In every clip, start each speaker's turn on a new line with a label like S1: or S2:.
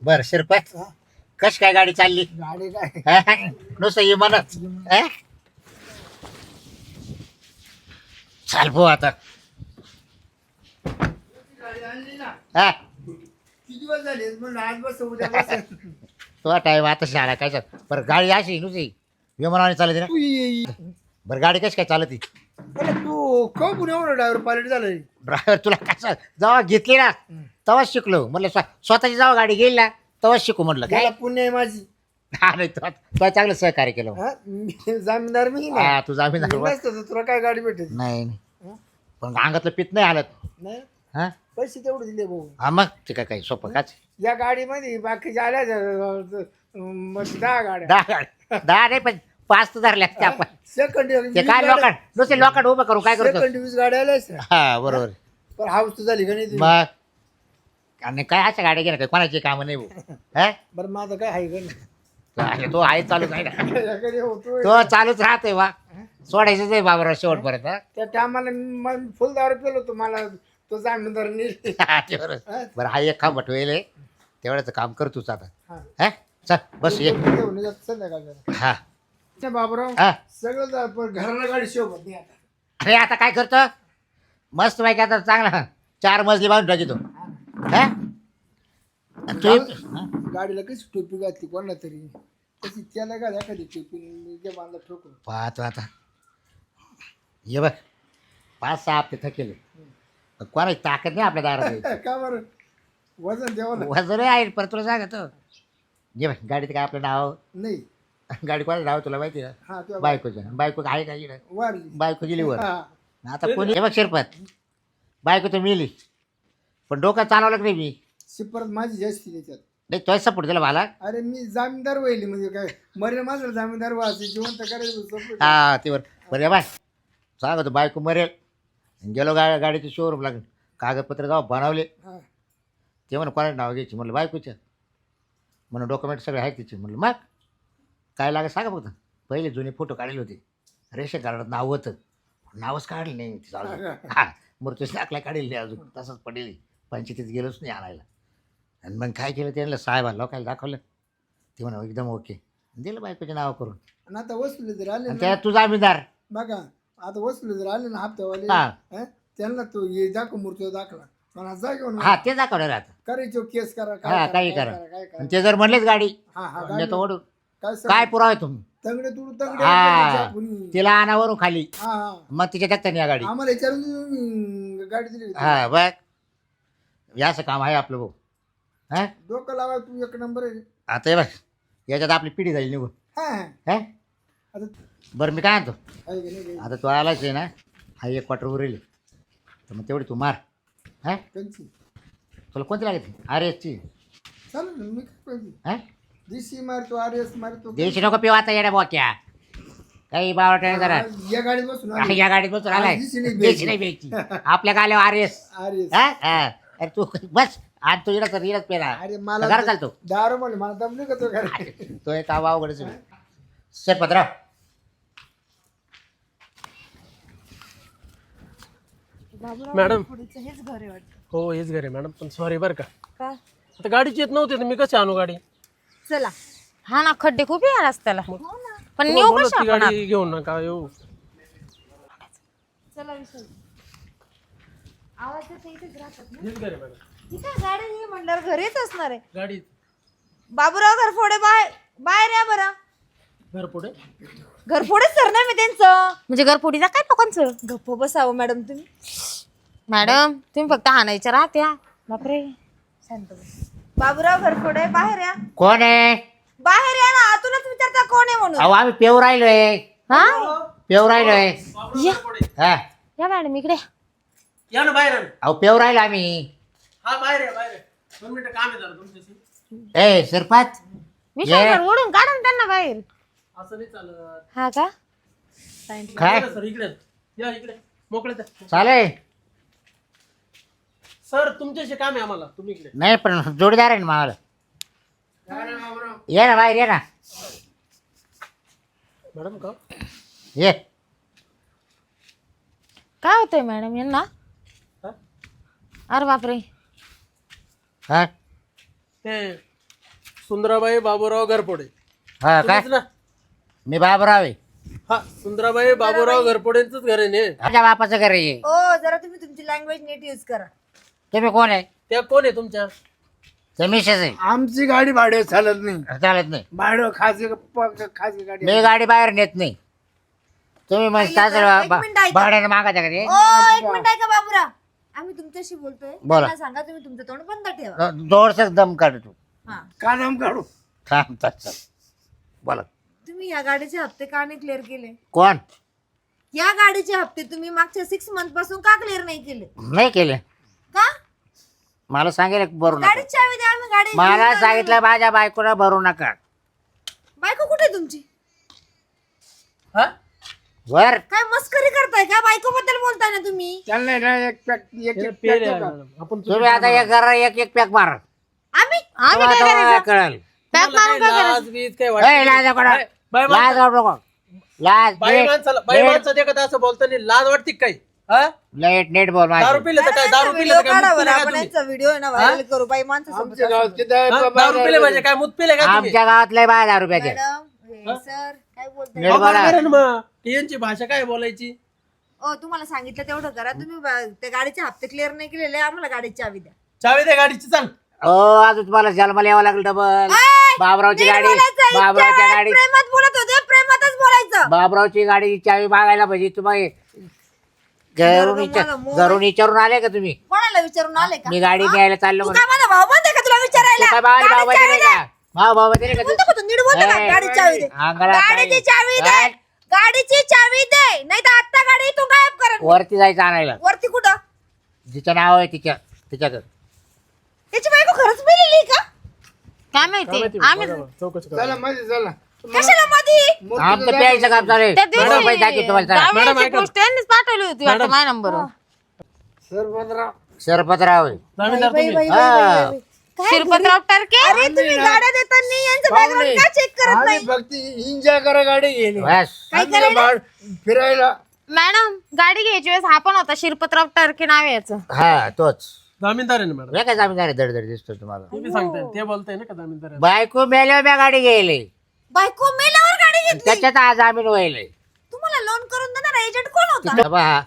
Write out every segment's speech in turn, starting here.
S1: बर शिरपत
S2: हा,
S1: कश काय गाडी चालली
S2: गाडी काय
S1: नुसतं ये म्हणत चाल भाऊ आता
S2: गाडी आणली ना
S1: हा
S2: किती दिवस झाले म्हणून आज बस उद्या बस
S1: तो टाइम आता शाळा काय बरं गाडी अशी नुसती विमानाने चालते ना
S2: तू ये
S1: बरं गाडी कशी काय चालती
S2: अरे तू कम एवढं ड्रायव्हर पायलट झालंय
S1: ड्रायव्हर तुला कसं जेव्हा घेतली ना तेव्हाच शिकलो म्हटलं स्वतःची जेव्हा गाडी घेईल ना तेव्हाच शिकू म्हटलं काय
S2: त्याला पुण्य आहे माझी
S1: हा नाही तो चांगलं सहकार्य केलं
S2: हा, मी जामीनदार मी ना
S1: हा तू जामीन
S2: मी नसतो तर तुला काय गाडी भेटेल
S1: नाही नाही.
S2: हा?
S1: पण अंगातलं पित नाही हालत
S2: नाही
S1: हा
S2: पैसे तेवढे दिले भाऊ
S1: हा मग ते काय काही सोपं काच
S2: या गाडीमध्ये बाकीच्या आल्या 10 गाड्या
S1: 10 नाही पण 5 तर धरल्या असत्या आपण
S2: सेकंड
S1: ते काय लोकांड नुसते लोकांड उभं करू काय करतो
S2: सेकंड 20 गाड्या आल्यास
S1: हा बरोबर
S2: पण हाऊस तर झाली का नाही तुझी?
S1: मग आणि काय अशा गाड्या घेणं काय कोणाची कामं नाही भाऊ हा
S2: बरं माझं काय आहे का नाही
S1: अरे तो आहे चालूच आहे ना
S2: याकडे होतोय
S1: तो चालूच राहतोय वा सोडायचंच आहे बाबा शेवटपर्यंत हा?
S2: त्या टायमाला फुल दारू पेलो होतो मला तो जामीनदार नेली
S1: हा, ते बरोबर बरं हा एक खांबट होईल तेवढ्याच काम कर तूच आता
S2: हा.
S1: हा चल बस ये
S2: घेऊन जात संध्याकाळी
S1: हा
S2: त्या बाबराव
S1: हा
S2: सगळं पण घराला गाडी शोभत नाही आता
S1: अरे आता काय करतो मस्त पैकी आता चांगला 4 मजली बांधून टाकी तो हा आणि तू हा?
S2: गाडीला कशी टोपी घातली कोणा तरी तशी त्याला घाल एखादी टोपी जे बांधला ठोकून
S1: पाहतो आता ये बघ 5-6 हप्ते थकेले कोणाची ताकद नाही आपल्या दारात
S2: का बरं वजन द्यावं लागतं.
S1: वजन आहे पर तुला सांगतो ये बघ गाडीत काय आपलं नाव
S2: नाही
S1: गाडी कोणाचं नाव तुला माहिती आहे
S2: हा तुला
S1: बायकोचं बायको आहे का इकडे
S2: वारली
S1: बायको गेली वर
S2: हा
S1: आता कोणी हे बघ शिरपत बायको तर मिली पण डोकं चालवलं की नाही मी
S2: शिपरत माझी जास्ती त्याच्यात
S1: नाही तोच सपोर्ट दिला मला
S2: अरे मी जामीनदार व्हायली म्हणजे काय मरेल माझं जामीनदार व्हायचं जिवंत करायचं support.
S1: हा ते बरं बाय सांगतो बायको मरेल गेलो गाडीचं शोरूम लागेल कागदपत्र जाऊ बनवले
S2: हा.
S1: ते म्हणून कोणाचं नाव घ्यायची म्हणलं बायकोच्या म्हणून डॉक्युमेंट सगळे आहेत तिचे म्हणलं मग काय लागेल सांगा फक्त पहिले जुने फोटो काढले होते रेशन कार्डात नाव होतं नावच काढलं नाही तिचं अजून हा मृत्यूच दाखला काढेल नाही अजून तसंच पडेल पंचायतीत गेलोच नाही आणायला आणि मग काय केलं त्यांना साहेबांना लोकायला दाखवलं ते म्हणा एकदम ओके दिलं बायकोच्या नाव करून
S2: आणि आता वसुली जर आले
S1: आणि
S2: ना
S1: त्यात तुझा आमीदार
S2: बघा आता वसुली जर आले ना हप्त्यावाले
S1: हा.
S2: हं? त्यांना तो ये दाखव मूर्ती दाखला मला जा घेऊन
S1: हा ते दाखवणार आता
S2: करायचो केस करा
S1: हा, काही
S2: काय
S1: करा.
S2: काय करा
S1: आणि ते जर म्हणलेच गाडी
S2: हा हा
S1: देतो ओढून
S2: काय
S1: काय पुरावा आहे तुम्ही
S2: तंगडे तुडू तंगडे
S1: हा
S2: आपण.
S1: तिला आणावरून खाली
S2: हा हा
S1: मग तिच्या टाकता या गाडी
S2: आम्हाला विचारून गाडी दिली होती.
S1: हा बघ याचं काम आहे आपलं भाऊ हा
S2: डोकं लावा तू एक नंबर आहे
S1: आता हे बघ याच्यात आपली पिढी जाईल निघून
S2: हा हा.
S1: हा
S2: आता
S1: बरं मी काय आणतो
S2: आहे का नाही
S1: आता तू आलाच आहे ना हा एक क्वार्टर उरेल तर मग तेवढी तू मार हा
S2: त्यांची
S1: तुला कोणती लागते अरे ची
S2: चालेल ना मी काय पाहिजे
S1: हा
S2: डीसी मारतो आर एस मारतो
S1: देशी नको पिऊ आता येड्या बोक्या काही बावटा जरा
S2: या गाडीत बसून आलो.
S1: या गाडीत बसून आलाय
S2: देशी नाही
S1: देशी नाही प्यायची आपल्या गाल्यावर आर एस
S2: आर एस
S1: हा हा अरे तू बस आज तू इडच इडच पेला
S2: अरे मला
S1: घर चालतो
S2: दारू म्हणले मला दम नाही का तो घरी
S1: तो एक काम अवघडच शेरपतराव
S3: मॅडम
S4: पुढचं हेच घर आहे वाटतं
S3: हो हेच घर आहे मॅडम पण सॉरी बरं का
S4: का
S3: आता गाडीची येत नव्हती तर मी कशी आणू गाडी
S4: चला
S5: हा ना खड्डे खूप आहे रस्त्याला पण
S3: तुम्हाला
S5: नेऊ
S3: बोललो
S5: कशा
S3: ती
S5: आपण
S3: गाडी घेऊन नका येऊ
S4: चला विषय आवाज येतो इथेच राहतात ना
S3: हेच घर आहे मॅडम
S4: ठीक आहे गाडी ही म्हणल्यावर घरीच असणार आहे
S3: गाडी
S4: बाबूराव घरफोडे बाहेर या बरं
S3: घर पुढे
S4: घरफोडेच सर नाही मी त्यांचं
S5: म्हणजे घरफोडीचा काय लोकांचं
S4: गप्प बसावं मॅडम तुम्ही
S5: मॅडम तुम्ही फक्त हाणायच्या राहत्या बापरे
S4: शांत बस. बाबूराव घरफोडे बाहेर या
S1: कोण आहे
S4: बाहेर या ना आतूनच विचारता कोण आहे म्हणून
S1: अहो आम्ही पेव राहिलोय
S5: हा
S1: पेव राहिलोय हा
S5: या मॅडम इकडे
S3: या ना बाहेर आण.
S1: अहो पेव राहिलो आम्ही
S3: हा बाहेर आहे बाहेर आहे 2 मिनिटं काम आहे जरा तुमच्याशी
S1: ए शिरपत
S5: विशाल ओढून काढा ना त्यांना बाहेर
S3: असं नाही चालत
S5: हा का
S1: काय
S3: सर इकडे या इकडे मोकळे द्या
S1: चालेल
S3: सर तुमच्याशी काम आहे आम्हाला तुम्ही इकडे
S1: नाही पण जोडीदार आहे ना मावाला ये ना बाहेर ये ना
S3: मॅडम का
S1: ये
S5: काय होतंय मॅडम यांना
S3: हा?
S5: अरे बापरे
S1: हा
S3: ते सुंदराबाई बाबूराव घरपोडे
S1: हा काय
S3: तुम्हीच ना?
S1: मी बाबराव आहे.
S3: हा सुंदराबाई बाबूराव घरपोडेंचंच घर आहे ने.
S1: माझ्या बापाचं घर आहे.
S4: ओ जरा तुम्ही तुमची लँग्वेज नीट यूज करा.
S1: तुम्ही कोण आहे?
S3: त्या कोण आहे तुमच्या?
S1: ते मिसेस आहे.
S2: आमची गाडी भाडे चालत नाही.
S1: चालत नाही.
S2: भाडं खाजगी गाडी
S1: मी गाडी बाहेर नेत नाही. तुम्ही मग
S4: एक मिनिट ऐका.
S1: भाड्याने मागायचं का ते?
S4: ओ एक मिनिट ऐका बाबूराव, आम्ही तुमच्याशी बोलतोय.
S1: बोला.
S4: मला सांगा, तुम्ही तुमचं तोंड बंद ठेवा.
S1: जोरसच दम काढ तू.
S4: हा.
S2: कादम काढू.
S1: थांब चल. बोला.
S4: तुम्ही या गाडीचे हप्ते का नाही क्लिअर केले?
S1: कोण?
S4: या गाडीचे हप्ते तुम्ही मागच्या 6 मंथ पासून का क्लिअर नाही केले?
S1: नाही केले.
S4: का?
S1: मला सांगेल भरू नका.
S4: गाडीची चावी द्या, आम्ही गाडी
S1: मला
S4: घेऊन
S1: सांगितलं माझ्या बायकोला भरू नका.
S4: बायको कुठे आहे तुमची?
S3: हा
S1: वर
S4: काय मस्करी करताय का? बायको बद्दल बोलताय ना तुम्ही?
S2: त्यांना ना एक पॅक एक
S3: हे
S2: एक
S3: पेर
S2: pack
S3: आहे
S2: देऊ का?
S3: मॅडम. आपण
S1: तुम्ही आता एक करा एक पॅक मार.
S4: आम्ही
S5: आम्ही काय करायचं?
S1: कळल.
S5: पॅक
S3: तुम्हाला
S5: मारून
S3: काही
S5: काय करायचं?
S3: लाज बीज काही
S1: ए,
S3: वाटत
S1: लाज
S3: नाही?
S1: नको.
S3: बाई
S1: लाज
S3: माणसाला-
S1: नको. लाज
S3: बाई
S1: नीट-
S3: माणसाला बाई
S1: नीट-
S3: माणसाला देखत असं बोलताना लाज वाटते का काही? हा?
S1: नीट बोल माझी.
S3: दारू पिलं तर काय? दारू पिलं तर काय? मूत पिलं का तुम्ही?
S4: व्हिडिओ आहे ना व्हायरल करू. बाई माणसं
S2: आमच्या गावात किती आहे?
S3: हा?
S2: बाबा
S3: दारू पिले म्हणजे काय? मूत पिले का तुम्ही?
S1: आमच्या गावात लय 12 रुपयाचे.
S4: मॅडम सर काय बोलताय?
S1: नीट
S3: अहो,
S1: बोला.
S3: बरोबर आहे ना मग. यांची भाषा काय बोलायची?
S4: ओ तुम्हाला सांगितलं तेवढं करा. तुम्ही त्या गाडीचे हप्ते क्लिअर नाही केलेले, आम्हाला गाडीची चावी द्या.
S3: चावी दे गाडीची, चाल.
S1: हो अजून तुम्हाला जन्माला यावं लागेल डबल.
S4: ऐ,
S1: बाबरावची
S4: नीट
S1: गाडी
S4: बोलायचं. इतक्या
S1: बाबरावच्या
S4: वेळेस
S1: गाडी
S4: प्रेमात बोलत होते, प्रेमातच बोलायचं.
S1: बाबरावची गाडी चावी मागायला पाहिजे तुम्ही. घरून घरून विचारून आले का तुम्ही?
S4: कोणाला विचारून आले का?
S1: मी गाडी न्यायला चाललो
S4: तू
S1: म्हणून.
S4: काय माझा भाऊ बनते का तुला विचारायला?
S1: तू काय भावाला भाव
S4: गाडीची
S1: बहिणी
S4: चावी
S1: का? भाव भाव बहिणी का
S4: बोलतो का तू? नीट बोलतो का?
S1: ए,
S4: गाडीची चावी दे.
S1: अंगाला
S4: गाडीची
S1: काय?
S4: चावी दे.
S1: काय?
S4: गाडीची चावी दे, नाही तर आता गाडी तू गायब कर.
S1: वरती जायचं आणायला.
S4: वरती कुठं?
S1: जिचं नाव आहे तिच्याकडे.
S4: त्याची बायको खरंच मेलेली का?
S5: काय माहिती आम्ही
S3: चौकशी करा.
S2: चला मध्ये चला.
S4: कशाला मधी?
S1: आमचं प्यायचं काम चालू आहे.
S5: त्या
S1: बरोबर पैसे दाखवतो तुम्हाला चला.
S3: मॅडम,
S5: दिवशी
S3: ऐका.
S5: पोस्ट यांनीच पाठवली होती वाटतं माझ्या नंबर.
S2: सरपंचराव
S1: शरपतराव आहे.
S3: जामीनदार
S4: बाई,
S3: तुम्ही.
S4: बाई,
S1: हा.
S4: बाई, बाई, बाई. काय
S5: शिरपतराव टर्के.
S4: अरे तुम्ही गाड्या देताना यांचं बॅकग्राऊंड का चेक करत
S2: आम्ही
S4: नाही?
S2: फक्त एन्जॉय करा गाडी गेली
S1: बस.
S4: काय करायला?
S2: फिरायला
S5: मॅडम गाडी घ्यायची वेळेस हा पण होता शिरपतराव टर्के नाव आहे याचं.
S1: हा तोच.
S3: जामीनदार आहे ना मॅडम.
S1: हे काय जामीनदार आहे, दडदड दिसतो तुम्हाला.
S3: तुम्ही सांगताय ते बोलताय ना का जामीनदार आहे?
S1: बायको मेल्यावर मी गाडी गेली.
S4: बायको मेल्यावर गाडी घेतली.
S1: त्याच्यात आज जामीन व्हायला.
S4: तुम्हाला लोन करून देणार एजंट कोण होता?
S1: पहा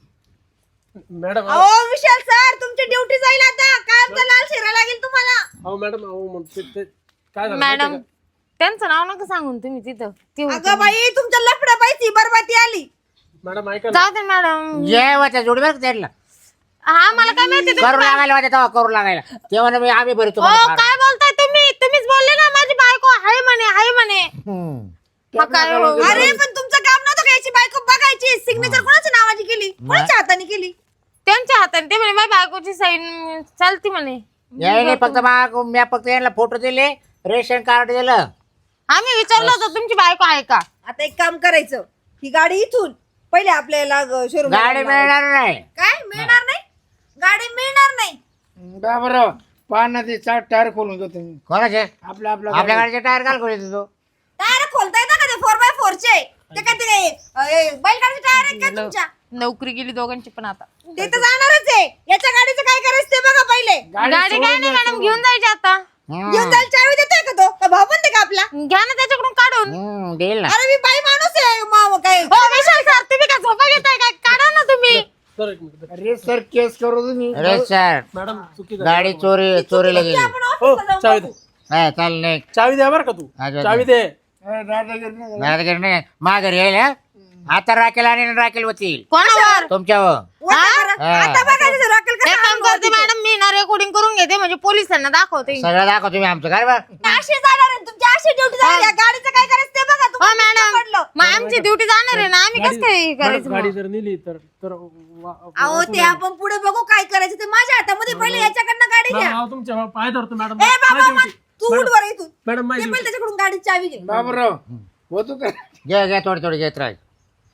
S3: मॅडम
S4: अहो विशाल सर, तुमची ड्युटी जाईल आता. काय आमचा लाल शिरा लागेल तुम्हाला.
S3: अहो मॅडम अहो मग ते काय झालं माहिती
S5: मॅडम
S3: आहे
S5: त्यांचं नाव नका सांगून तुम्ही तिथं ती होती.
S4: अगं बाई, तुमच्या लफड्या बाईची बरबाती आली.
S3: का? मॅडम ऐका ना.
S5: जाऊ दे मॅडम.
S1: जे होत्या जोडीवर त्यांना
S5: हा मला काय माहिती
S1: करू लागायला होत्या तेव्हा करू लागायला तेव्हा मी आम्ही बरी
S5: ओ
S1: तुम्हाला
S5: काय बोलताय तुम्ही? तुम्हीच बोलले ना माझी बायको हाय म्हणे हाय म्हणे.
S1: हम्म.
S5: मग काय हो?
S4: अरे पण तुमचं काम नव्हतं का याची बायको बघायची? सिग्नेचर कोणाच्या नावाची केली? कोणाच्या हाताने केली?
S5: त्यांच्या हाताने ते म्हणे माझ्या बायकोची साईन चालती म्हणे.
S1: यायने फक्त मी फक्त यांना फोटो दिले, रेशन कार्ड दिलं.
S5: आम्ही विचारलं होतं तुमची बायको आहे का?
S4: आता एक काम करायचं, ही गाडी इथून पहिले आपल्याला शोरूम
S1: गाडी मिळणार नाही.
S4: काय मिळणार नाही? गाडी मिळणार नाही.
S2: बाबराव पाना ते चार टायर खोलून जातो तुम्ही.
S1: कोणाचे?
S2: आपल्या आपल्या
S1: आपल्या गाडीचे टायर काल खोली तो.
S4: टायर खोलता येतं का ते 4x4 चे? ते काय ते बैलगाडीचे टायर आहेत का तुमच्या?
S5: नोकरी गेली दोघांची पण आता.
S4: ते तर जाणारच आहे. याच्या गाडीचं काय करायचं ते बघा पहिले.
S5: गाडी काय नाही मॅडम घेऊन जायची आता.
S4: घेऊन जायला चावी देतोय का तो? का भाऊ बनते का आपला?
S5: घ्या ना त्याच्याकडून काढून.
S1: देईल ना.
S4: अरे मी बाई माणूस आहे. काय
S5: हो विशाल सर तुम्ही काय झोपा घेताय काय? काढा ना तुम्ही.
S3: सर एक मिनिट.
S2: अरे सर केस करू तुम्ही.
S1: अरे सर
S3: मॅडम चुकी झाली.
S1: गाडी चोरीला गेली.
S4: आपण
S3: हो
S4: ऑफिसला
S3: चावी
S4: जाऊ
S3: दे.
S4: बघू.
S1: हा चाल नाही.
S3: चावी द्या बरं का तू.
S1: अच्छा.
S3: चावी दे.
S2: दादागिरी नाही.
S1: माझ्या घरी नाही मा घरी येईल हा? आता राखेल आणि राखेल होतील
S5: कोणावर?
S1: तुमच्यावर.
S4: वरती करा.
S1: हा.
S4: आता बघा तिथं रॉकेल
S5: एक
S4: कसं
S5: काम करते मॅडम मी ना रेकॉर्डिंग करून घेते म्हणजे पोलिसांना दाखवते.
S1: सगळं दाखव तुम्ही आमचं काय बा.
S4: अशी जाणार आहे. तुमची अशी ड्युटी जाणार आहे. गाडीचं काय करायचं ते बघा.
S5: हो
S4: तुम्हाला
S5: मॅडम
S4: पडलं.
S5: मग आमची ड्युटी जाणार आहे ना आम्ही कसं काय हे
S3: मॅडम,
S5: करायचं
S3: गाडी
S5: मग?
S3: जर नेली तर
S4: अहो ते आपण पुढे बघू काय करायचं ते. माझ्या हातामध्ये पहिले याच्याकडनं गाडी घ्या.
S3: मॅडम, तुमच्या पाय धरतो मॅडम.
S4: ए बाबा
S3: माझी
S4: मग
S3: duty.
S4: तू उठ वर इथून.
S3: मॅडम
S4: ते
S3: माझी
S4: पहिले त्याच्याकडून गाडीची चावी घे.
S2: बाबराव होतो का?
S1: घे थोडी थोडी घेत राहील.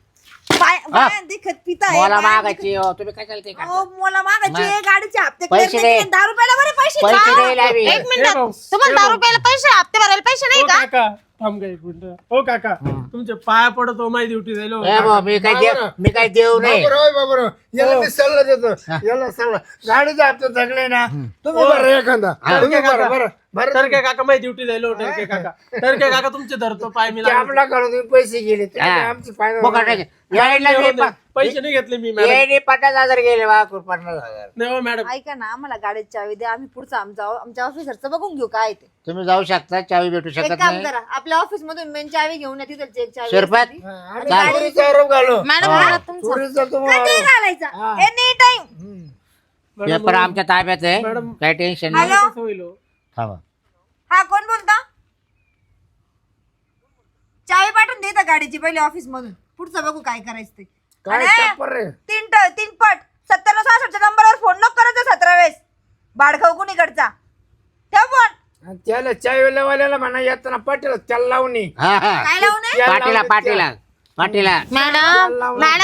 S4: बाया देखत पिता आहे.
S1: मला
S4: बाया
S1: मागायची हो, तुम्ही काय चालते
S4: देखत- अहो, मला मागायची आहे. गाडीचे हप्ते
S1: पैसे
S4: clear
S1: दे.
S4: नाही केले. 10 रुपयाला बरे पैसे
S1: पैसे
S4: द्या.
S1: द्यायला हवी.
S5: एक मिनिट
S3: भाऊ,
S5: तुम्हाला
S3: ए
S5: 10
S3: भाऊ.
S5: रुपयाला पैसे हप्ते भरायला पैसे नाही
S3: हो
S5: का?
S3: काका. थांब का एक मिनिट. हो काका तुमचे पाया पडतो माझी ड्युटी जाईल हो.
S1: ए भाऊ, मी काय देऊ नाही
S2: बाबूराव याला मी सल्ला देतो याला सल्ला गाडीचे हप्ते थकले ना तुम्ही बरं एखादा तुम्ही बरं बरं बरं
S3: टरके काका माझी ड्युटी जाईल हो. टरके काका तुमचे धरतो पाय मी लागले.
S2: आपला काढून तुम्ही पैसे गेले ते
S1: हा.
S2: आमची फायदा
S1: बघा नाही. यायला मी
S3: पैसे नाही घेतले मी मॅडम.
S1: यायला 50,000 गेले वा 50,000.
S3: नाही हो मॅडम.
S4: ऐका ना आम्हाला गाडीची चावी द्या आम्ही पुढचं आमच्या ऑफिसरचं बघून घेऊ काय ते.
S1: तुम्ही जाऊ शकता, चावी भेटू
S4: एक
S1: शकत
S4: काम
S1: नाही.
S4: करा आपल्या ऑफिस मधून मेन चावी घेऊन या तिथं एक चावी
S1: शिरपात
S4: असते ती.
S2: आम्ही चोरीचा आरोप घालो
S5: मॅडम मला तुमचं
S2: चोरीचा तुम्हाला
S4: कधी घालायचा एनी टाइम.
S1: पेपर आमच्या ताब्यात आहे,
S3: मॅडम.
S1: काही टेन्शन नाही.
S4: हॅलो
S3: कसं होईल हो?
S1: थांबा.
S4: हा कोण बोलता. चावी पाठवून देता गाडीची पहिले ऑफिस मधून पुढचं बघू काय करायचं ते.
S2: काय
S4: आणि
S2: टप्पर रे
S4: तीन पट 9766 नंबरवर फोन नको करत 17 वेळेस बाडखाऊ कुणीकडचा ठेव फोन.
S2: आणि त्याला चायवाल्याला म्हणा येताना पाटील त्याला लावून ये.
S1: हा हा
S4: काय लावू नये
S1: पाटीला पाटीला पाटीला
S5: मॅडम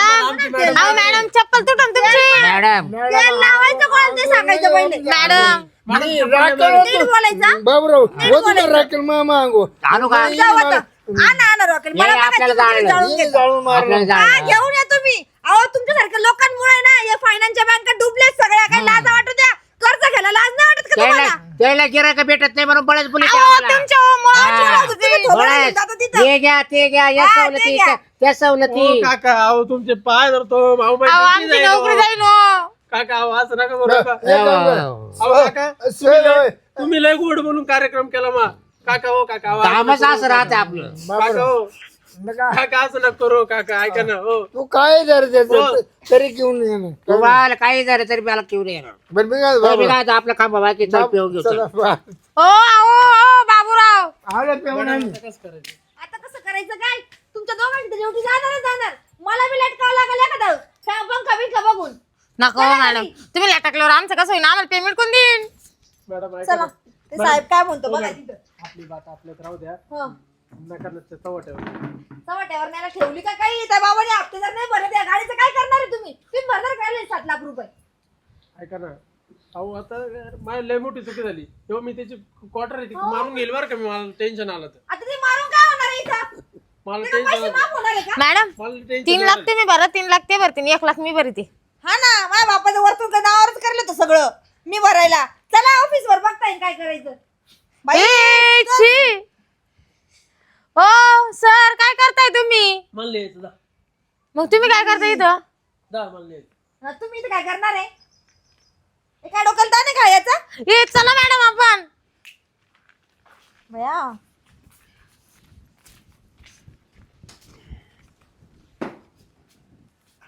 S5: मॅडम चप्पल तुटून तुमची.
S1: मॅडम
S4: तेल लावायचं कोणाला ते सांगायचं पहिले.
S5: मॅडम
S2: मी राखेल
S4: नीट बोलायचा.
S2: बाबराव वधूला राखेल मामा अंगो
S1: आणू का
S4: जाऊ आता. आणा रॉकेल मला
S1: ये,
S4: बघा
S1: आपल्याला
S4: तुम्ही
S1: जाळलं.
S4: जाळून घेता.
S2: जाळून मारलं
S1: आपल्याला
S4: हा
S1: जायला.
S4: घेऊन या तुम्ही. अहो तुमच्यासारख्या लोकांमुळे ना या फायनान्सच्या बँका डुबल्यात सगळ्या. काही लाज वाटू द्या. कर्ज घ्यायला लाज नाही वाटत का तुम्हाला.
S1: त्याला गिरायक भेटत नाही म्हणून बळच बोली
S5: अहो, तुमच्या मुळात
S4: तुम्ही थोबाड घेऊन जाता तिथं.
S1: हे घ्या ते घ्या या
S4: हा, ते
S1: सवलती
S4: घ्या.
S1: त्या सवलती
S3: हो काका अहो तुमचे पाय धरतो भाऊ माझी
S5: अहो,
S3: duty
S5: आमची
S3: जाईल हो.
S5: नोकरी जाईल हो.
S3: काका अहो असं नका करू नका.
S1: हो.
S3: अहो काका तुम्ही लय गोड बोलून कार्यक्रम केला मा काका हो काका अहो, असं
S1: कामच
S3: नका
S1: असं
S3: करू.
S1: राहते आपलं.
S3: काका हो काका असं नका करू काका ऐका ना हो.
S2: तू काय जर देतो तरी घेऊन ये ना.
S1: तुम्हाला काही झालं तरी मला किव येणार.
S2: बरं मी काय
S1: तर मी काय आता आपलं काम बाकी चल पिऊ घेऊ चल.
S2: चला, बा.
S5: हो अहो बाबूराव
S2: आलं पेऊन आम्ही.
S3: कसं करायचं
S4: आता कसं करायचं काय तुमच्या दोघांची ड्युटी जाणार. मला बी लेट करावं लागेल एखादं पंखा बिंखा बघून.
S5: नको हो मॅडम तुम्ही लटकल्यावर आमचं कसं होईल आम्हाला पेमेंट कोण देईन.
S3: मॅडम ऐका
S4: चला
S3: ना.
S4: ते साहेब काय म्हणतो बघा तिथं.
S3: आपली बात आपल्यात राहू द्या
S4: हं.
S3: नका नसते तवा ठेवा.
S4: चव्हाट्यावर न्यायला ठेवली का काही त्या बाबाने हप्ते जर नाही भरले त्या गाडीचं काय करणार आहे तुम्ही भरणार काय 7 लाख रुपये.
S3: ऐका ना अहो आता माझी लय मोठी चुकी झाली तेव्हा मी त्याची क्वार्टर आहे ती मारून घेईल बरं का मी मला टेन्शन आलं तर
S4: आता ते मारून काय होणार आहे इथं.
S3: मला
S4: त्याला पैसे
S3: टेन्शन
S4: माफ होणार आहे का.
S5: मॅडम
S3: मला
S5: 3
S3: टेन्शन
S5: लाख तुम्ही भरा 3 लाख ते भरतील 1 लाख मी भरते.
S4: हा ना माझ्या बापाचं वरतून काय नावावरच करलं होतं सगळं मी भरायला. चला ऑफिस वर बघता येईल काय करायचं. बाई,
S5: ए, छी. ओ सर काय करताय तुम्ही.
S3: मला लिहायचं जा
S5: मग तुम्ही काय करताय इथं.
S3: जा मला लिहायचं.
S4: हा, तुम्ही इथं काय करणार आहे. हे काय डोक्याला ताण आहे का याचा.
S5: ए चला मॅडम आपण.
S4: बया